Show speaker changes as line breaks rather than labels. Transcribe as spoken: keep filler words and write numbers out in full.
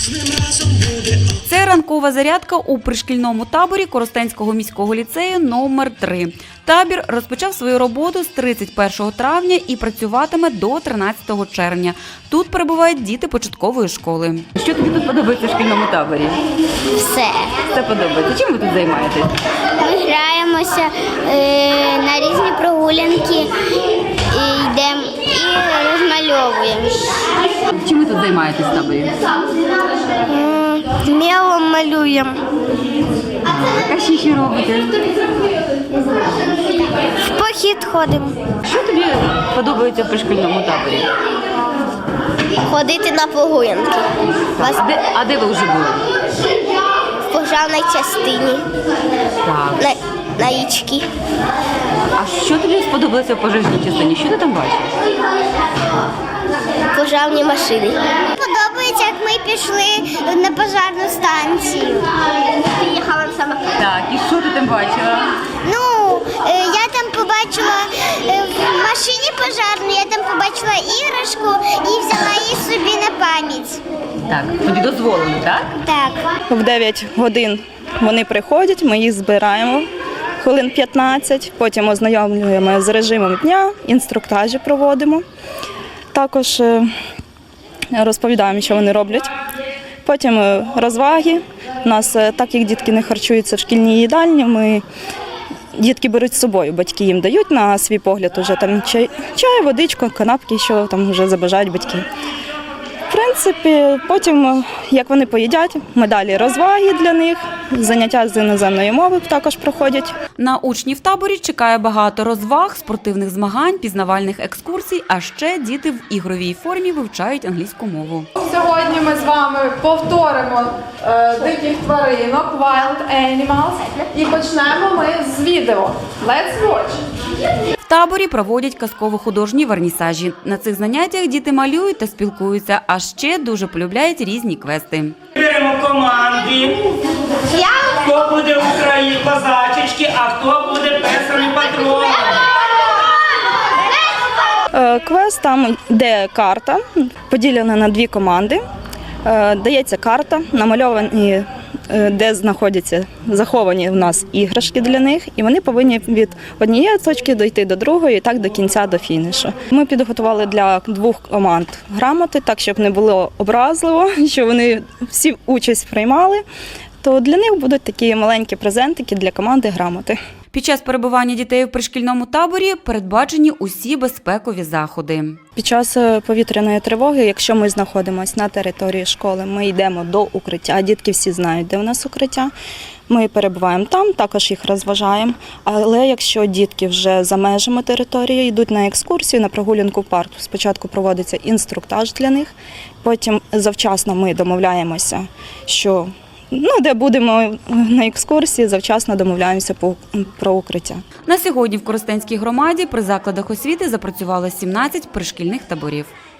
Це ранкова зарядка у пришкільному таборі Коростенського міського ліцею номер три. Табір розпочав свою роботу з тридцять першого травня і працюватиме до тринадцятого червня. Тут перебувають діти початкової школи. Що тобі тут подобається в шкільному таборі?
Все.
Все подобається. Чим ви тут займаєтесь?
Ми граємося е, на різні прогулянки, і йдемо і розмальовуємо.
Чим ви тут займаєтесь в таборі?
Мелом малюємо.
А що ще робите?
В похід ходимо.
Що тобі подобається в пришкільному таборі?
Ходити на прогулянки.
А де, а де ви вже були?
В пожарній частині,
Так.
на, на річці.
А що тобі сподобалося в пожежній частині? Що ти там бачиш?
Пожарні машини. Подобається, як ми пішли на пожарну станцію. Приїхала саме.
Так, і що ти там бачила?
Ну, е, я там побачила е, в машині пожарній, я там побачила іграшку і взяла її собі на пам'ять.
Так, тобі дозволено, так?
Так.
В дев'ять годин вони приходять, ми їх збираємо хвилин п'ятнадцять, потім ознайомлюємо з режимом дня, інструктажі проводимо. Також е, розповідаємо, що вони роблять. Потім е, розваги. У нас, е, так як дітки не харчуються в шкільній їдальні, ми дітки беруть з собою, батьки їм дають на свій погляд уже там чай, чай, водичку, канапки, що там вже забажають батьки. В принципі, потім, як вони поїдять, ми далі розваги для них, заняття з іноземної мови також проходять.
На учнів в таборі чекає багато розваг, спортивних змагань, пізнавальних екскурсій, а ще діти в ігровій формі вивчають англійську мову.
Сьогодні ми з вами повторимо е, диких тваринок, wild animals, і почнемо ми з відео. Let's watch!
В таборі проводять казково-художні вернісажі. На цих заняттях діти малюють та спілкуються, а ще дуже полюбляють різні квести.
Беремо команди. Хто буде Україні козачечки, а хто буде персами патроном.
Е, Квест, там йде карта, поділена на дві команди. Е, Дається карта, намальовані, е, де знаходяться заховані в нас іграшки для них, і вони повинні від однієї точки дойти до другої, і так до кінця, до фінішу. Ми підготували для двох команд грамоти, так, щоб не було образливо, що вони всі участь приймали, то для них будуть такі маленькі презентики для команди грамоти.
Під час перебування дітей в пришкільному таборі передбачені усі безпекові заходи.
Під час повітряної тривоги, якщо ми знаходимося на території школи, ми йдемо до укриття, дітки всі знають, де у нас укриття. Ми перебуваємо там, також їх розважаємо. Але якщо дітки вже за межами території йдуть на екскурсію, на прогулянку в парк, спочатку проводиться інструктаж для них, потім завчасно ми домовляємося, що ну, де будемо на екскурсії, завчасно домовляємося про укриття.
На сьогодні в Коростенській громаді при закладах освіти запрацювало сімнадцять пришкільних таборів.